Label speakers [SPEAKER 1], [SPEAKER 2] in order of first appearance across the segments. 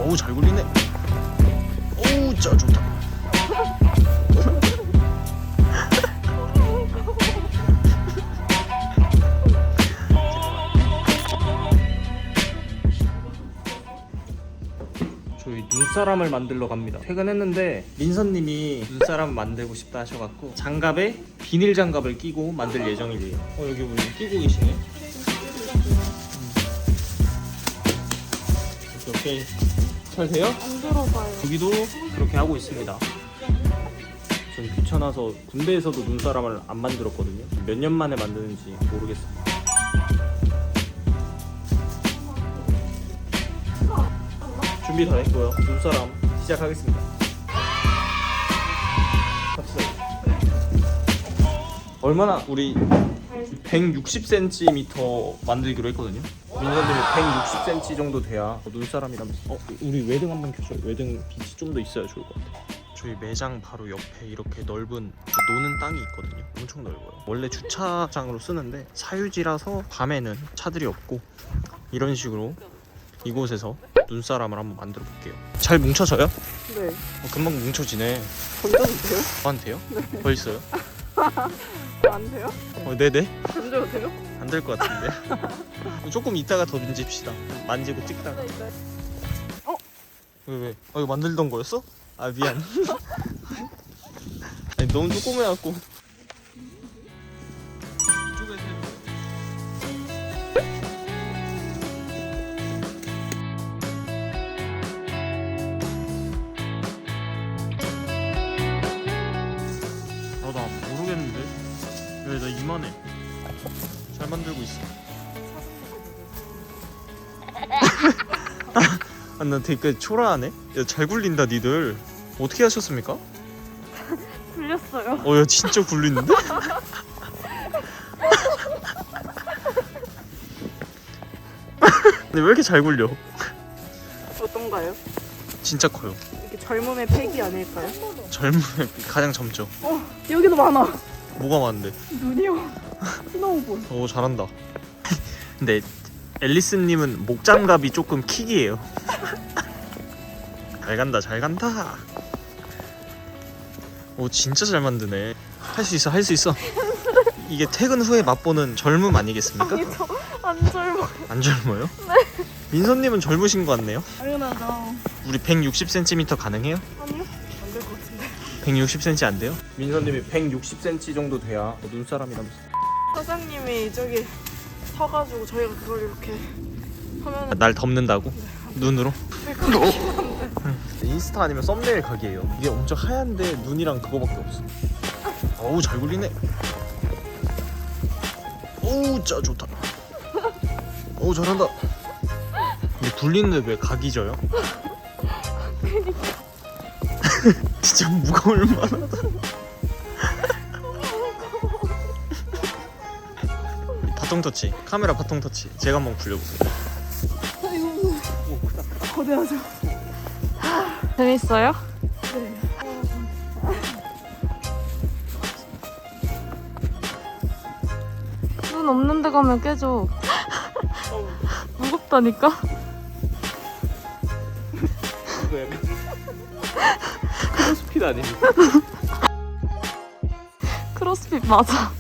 [SPEAKER 1] 어우 잘 굴리네. 어우 진짜 좋다. 저희 눈사람을 만들러 갑니다. 퇴근했는데 민서님이 눈사람 만들고 싶다 하셔갖고 장갑에 비닐 장갑을 끼고 만들 예정이래요. 여기 우리 끼고 계시네. 오케이. 잘 돼요?
[SPEAKER 2] 안 들어가요.
[SPEAKER 1] 여기도 그렇게 하고 있습니다. 전 귀찮아서 군대에서도 눈사람을 안 만들었거든요. 몇 년 만에 만드는지 모르겠습니다. 준비 다 됐고요. 눈사람 시작하겠습니다. 갑시다. 얼마나 우리 160cm 만들기로 했거든요. 민서님이 160cm 정도 돼야 눈사람이라면서. 우리 외등 한번 켜줘요. 외등 빛이 좀 더 있어야 좋을 것 같아요. 저희 매장 바로 옆에 이렇게 넓은 노는 땅이 있거든요. 엄청 넓어요. 원래 주차장으로 쓰는데 사유지라서 밤에는 차들이 없고 이런 식으로 이곳에서 눈사람을 한번 만들어 볼게요. 잘 뭉쳐져요?
[SPEAKER 2] 네.
[SPEAKER 1] 금방 뭉쳐지네.
[SPEAKER 2] 던져도 돼요?
[SPEAKER 1] 저한테요? 벌써요?
[SPEAKER 2] 안 돼요?
[SPEAKER 1] 네네.
[SPEAKER 2] 던져도 돼요?
[SPEAKER 1] 안 될 것 같은데. 조금 이따가 더 만집시다. 만지고 찍다가. 왜? 이거 만들던 거였어? 아 미안. 아니, 너무 조그매갖고. 이쪽에서 나 모르겠는데. 왜 나 이만해. 잘 만들고 있어. 나 되게 초라하네. 야, 잘 굴린다 니들. 어떻게 하셨습니까?
[SPEAKER 2] 굴렸어요.
[SPEAKER 1] 야 진짜 굴리는데? 근데 왜 이렇게 잘 굴려?
[SPEAKER 2] 어떤가요?
[SPEAKER 1] 진짜 커요.
[SPEAKER 2] 이게 젊음의 패기 아닐까요?
[SPEAKER 1] 젊음의 가장 젊죠.
[SPEAKER 2] 여기도 많아.
[SPEAKER 1] 뭐가 많은데?
[SPEAKER 2] 눈이요. 스노우볼.
[SPEAKER 1] 잘한다. 근데 앨리스님은 목장갑이 조금 킥이에요. 잘 간다 잘 간다. 진짜 잘 만드네. 할 수 있어 할 수 있어. 이게 퇴근 후에 맛보는 젊음 아니겠습니까?
[SPEAKER 2] 아니 저 안 젊어요.
[SPEAKER 1] 안 젊어요? 네. 민서님은 젊으신 것 같네요.
[SPEAKER 2] 당연하죠.
[SPEAKER 1] 우리 160cm 가능해요?
[SPEAKER 2] 아니요? 안 될 것 같은데.
[SPEAKER 1] 160cm 안 돼요? 민서님이 160cm 정도 돼야 눈사람이라면서.
[SPEAKER 2] 사장님이 저기 서가지고 저희가 그걸 이렇게 하면
[SPEAKER 1] 날 덮는다고? 눈으로?
[SPEAKER 2] 될것 같긴 한데.
[SPEAKER 1] 인스타 아니면 썸네일 각이에요. 이게 엄청 하얀데 눈이랑 그거밖에 없어. 어우 잘 굴리네. 어우 진짜 좋다. 어우 잘한다. 근데 굴리는데 왜 각이 져요? 진짜 무거울 만하다. 바통 터치, 카메라 바통 터치. 제가 한번 굴려보세요.
[SPEAKER 2] 거대하죠?
[SPEAKER 3] 재밌어요?
[SPEAKER 2] 네.
[SPEAKER 3] 눈 없는 데 가면 깨져. 무겁다니까?
[SPEAKER 1] 이거 약간 크로스핏 아닙니까?
[SPEAKER 3] 크로스핏 맞아.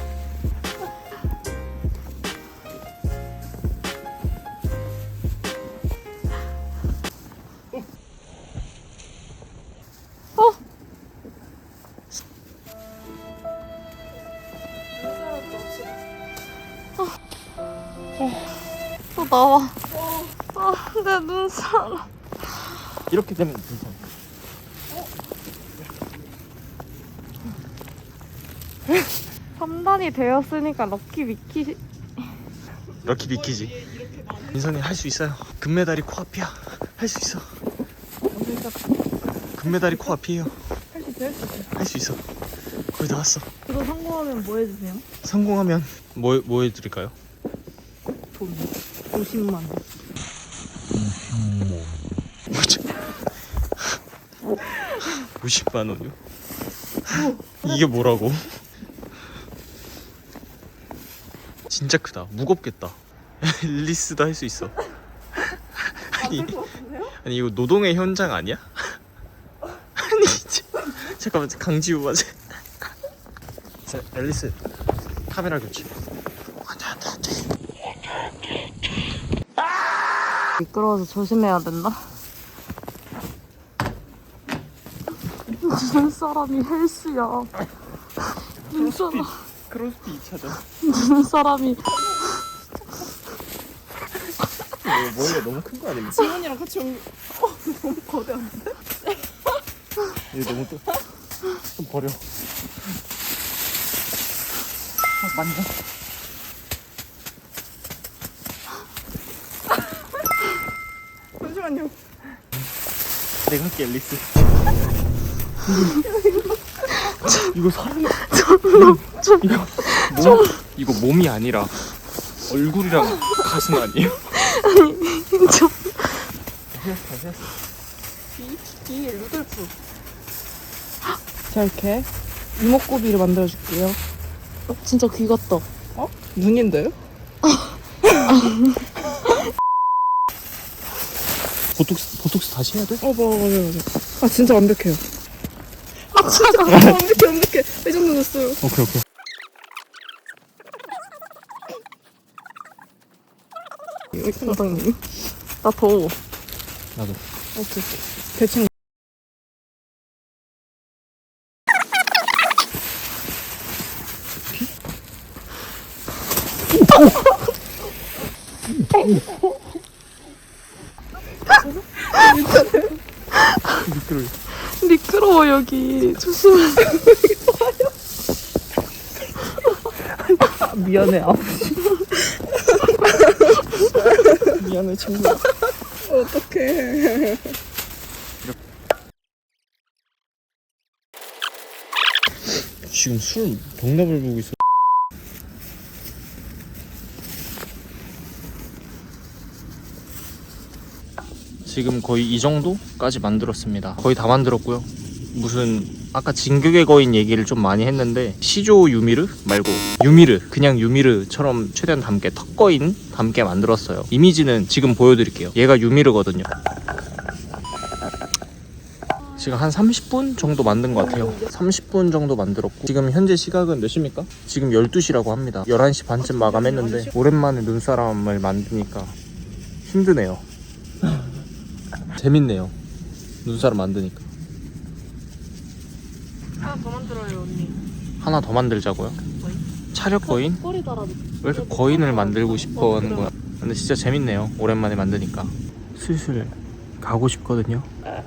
[SPEAKER 3] 또 나와. 내 눈사람.
[SPEAKER 1] 이렇게 되면 괜찮아.
[SPEAKER 3] 첨단이 되었으니까 럭키 미키.
[SPEAKER 1] 럭키 비키지. 민선이 할 수 있어요. 금메달이 코앞이야. 할 수 있어. 금메달이 코앞이에요.
[SPEAKER 2] 할 수 있어요?
[SPEAKER 1] 할 수 있어. 거의 다 왔어.
[SPEAKER 2] 그거 성공하면 뭐 해주세요?
[SPEAKER 1] 성공하면 뭐 해드릴까요?
[SPEAKER 2] 돈 50만 원.
[SPEAKER 1] 50만 원이요? 이게 뭐라고? 진짜 크다. 무겁겠다. 앨리스도 할 수 있어. 아니, 아니 이거 노동의 현장 아니야? 아니 진짜. 잠깐만 강지우 맞아. 자 앨리스 카메라 교체. 안돼.
[SPEAKER 3] 미끄러워서 조심해야 된다. 눈사람이 헬스야. 눈사람.
[SPEAKER 1] 크로스핏 2차전.
[SPEAKER 3] 눈사람이.
[SPEAKER 1] 머리가 너무 큰 거 아닙니까?
[SPEAKER 2] 지훈이랑 같이 온 게 너무 거대한데?
[SPEAKER 1] 이거 너무 좀 버려. 만져.
[SPEAKER 2] 잠시만요.
[SPEAKER 1] 내가 할게 앨리스. 이거 사람. 이거 몸이 아니라 얼굴이랑 가슴 아니에요?
[SPEAKER 2] 이 루돌프. 자 이렇게 이목구비를 만들어줄게요.
[SPEAKER 3] 진짜 귀 같다.
[SPEAKER 2] 어? 눈인데요?
[SPEAKER 1] 보톡스 다시 해야 돼?
[SPEAKER 2] 맞아. 아 진짜 완벽해요. 완벽해. 이 정도 됐어요.
[SPEAKER 1] 오케이.
[SPEAKER 3] 선생님. 나 더워.
[SPEAKER 1] 나도.
[SPEAKER 2] 오케이. 대충.
[SPEAKER 3] 미끄러워 여기. 조심해.
[SPEAKER 2] 미안해.
[SPEAKER 1] 미안해 친구야.
[SPEAKER 2] 어떡해.
[SPEAKER 1] 지금 술 병납을 보고 있어. 지금 거의 이 정도까지 만들었습니다. 거의 다 만들었고요. 무슨 아까 진격의 거인 얘기를 좀 많이 했는데 시조 유미르 말고 유미르 그냥 유미르처럼 최대한 닮게 턱거인 닮게 만들었어요. 이미지는 지금 보여드릴게요. 얘가 유미르거든요. 지금 한 30분 정도 만든 것 같아요. 30분 정도 만들었고 지금 현재 시각은 몇 시입니까? 지금 12시라고 합니다. 11시 반쯤 마감했는데 오랜만에 눈사람을 만드니까 힘드네요. 재밌네요. 눈사람 만드니까.
[SPEAKER 3] 하나 더 만들어요 언니.
[SPEAKER 1] 하나 더 만들자고요? 차력 거인?
[SPEAKER 3] 꼬리 달아줘.
[SPEAKER 1] 왜 이렇게 거인을 만들고 싶어 하는 거야? 근데 진짜 재밌네요. 오랜만에 만드니까. 슬슬 가고 싶거든요.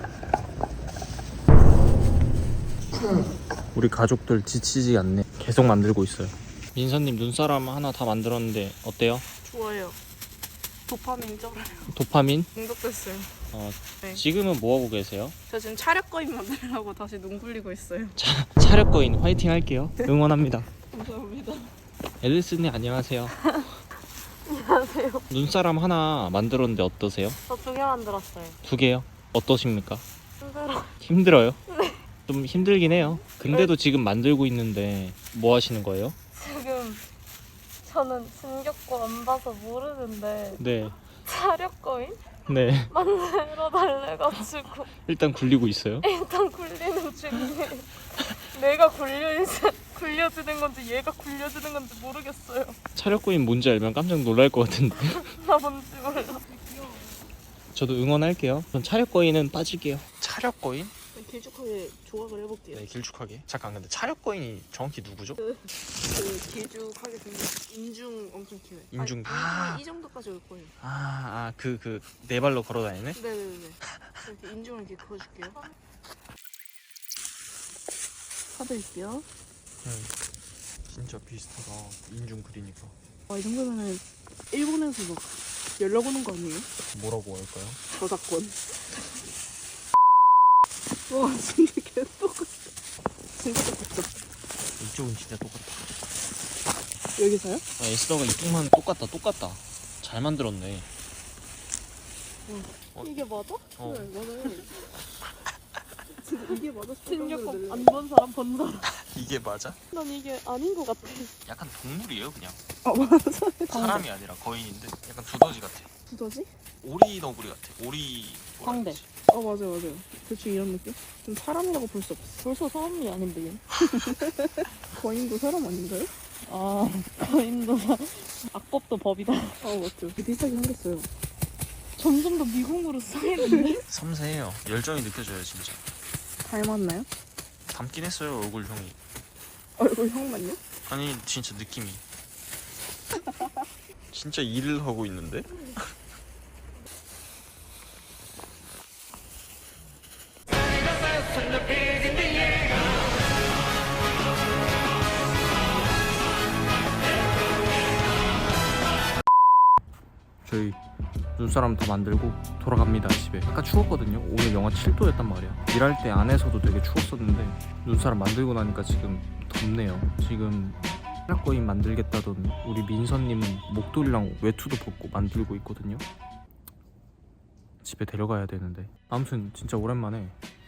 [SPEAKER 1] 우리 가족들 지치지 않네. 계속 만들고 있어요. 민서님 눈사람 하나 다 만들었는데 어때요?
[SPEAKER 2] 좋아요. 도파민 쩔어요.
[SPEAKER 1] 도파민?
[SPEAKER 2] 중독됐어요. 네.
[SPEAKER 1] 지금은 뭐 하고 계세요?
[SPEAKER 2] 저 지금 차력 거인 만들려고 다시 눈 굴리고 있어요.
[SPEAKER 1] 차력 거인 화이팅 할게요. 응원합니다.
[SPEAKER 2] 감사합니다.
[SPEAKER 1] 앨리스님 안녕하세요.
[SPEAKER 3] 안녕하세요.
[SPEAKER 1] 눈사람 하나 만들었는데 어떠세요?
[SPEAKER 3] 저 2개 만들었어요.
[SPEAKER 1] 2개요? 어떠십니까?
[SPEAKER 3] 힘들어.
[SPEAKER 1] 힘들어요? 좀 힘들긴 해요. 근데도 지금 만들고 있는데 뭐 하시는 거예요?
[SPEAKER 3] 지금 저는 진격고 안 봐서 모르는데
[SPEAKER 1] 네.
[SPEAKER 3] 차력 거인
[SPEAKER 1] 네.
[SPEAKER 3] 만들어 달래가지고
[SPEAKER 1] 일단 굴리고 있어요.
[SPEAKER 3] 일단 굴리는 중이에요. 내가 굴려지는 건지 얘가 굴려지는 건지 모르겠어요.
[SPEAKER 1] 차력거인 뭔지 알면 깜짝 놀랄 것 같은데.
[SPEAKER 3] 나 뭔지 몰라.
[SPEAKER 1] 저도 응원할게요. 전 차력거인은 빠질게요. 차력거인?
[SPEAKER 2] 길쭉하게 조각을 해볼게요.
[SPEAKER 1] 네, 길쭉하게. 잠깐 근데 차력거인이 정확히 누구죠?
[SPEAKER 2] 그 길쭉하게 생긴 인중 엄청 길어요.
[SPEAKER 1] 인중.
[SPEAKER 2] 이 정도까지 올 거예요.
[SPEAKER 1] 그 네 발로 걸어 다니네?
[SPEAKER 2] 네네네. 이렇게 인중을 이렇게 그어줄게요. 사드릴게요.
[SPEAKER 1] 진짜 비슷하다. 인중 그리니까.
[SPEAKER 2] 이 정도면은 일본에서 막 연락 오는 거 아니에요?
[SPEAKER 1] 뭐라고 할까요?
[SPEAKER 2] 저작권. 와 진짜 개 똑같아. 진짜 똑같죠?
[SPEAKER 1] 이쪽은 진짜 똑같다.
[SPEAKER 2] 여기서요?
[SPEAKER 1] 에스더가 이쪽만 똑같다. 잘 만들었네.
[SPEAKER 3] 이게 맞아?
[SPEAKER 1] 어.
[SPEAKER 2] 네 맞아요. 진짜 이게 맞아?
[SPEAKER 3] 진격고 안 본 사람 본 사람.
[SPEAKER 1] 이게 맞아?
[SPEAKER 3] 난 이게 아닌 것 같아.
[SPEAKER 1] 약간 동물이에요 그냥.
[SPEAKER 2] 맞아.
[SPEAKER 1] 사람이 아니라 거인인데 약간 두더지 같아.
[SPEAKER 2] 두더지?
[SPEAKER 1] 오리 너구리 같아. 오리
[SPEAKER 2] 광대. 맞아. 대충 이런 느낌? 좀 사람이라고 볼 수 없어.
[SPEAKER 3] 벌써 사람이 아닌데 얘.
[SPEAKER 2] 거인도 사람 아닌가요?
[SPEAKER 3] 아 거인도사. 악법도 법이다.
[SPEAKER 2] 맞죠. 비슷하게 생겼어요.
[SPEAKER 3] 점점 더 미궁으로 쌓이는데?
[SPEAKER 1] 섬세해요. 열정이 느껴져요 진짜.
[SPEAKER 2] 닮았나요?
[SPEAKER 1] 닮긴 했어요 얼굴 형이.
[SPEAKER 2] 얼굴 형만요?
[SPEAKER 1] 아니 진짜 느낌이. 진짜 일을 하고 있는데? 저희 눈사람 더 만들고 돌아갑니다 집에. 아까 추웠거든요. 오늘 영하 7도였단 말이야. 일할 때 안에서도 되게 추웠었는데 눈사람 만들고 나니까 지금 덥네요. 지금 거인 만들겠다던 우리 민서님은 목도리랑 외투도 벗고 만들고 있거든요. 집에 데려가야 되는데. 아무튼 진짜 오랜만에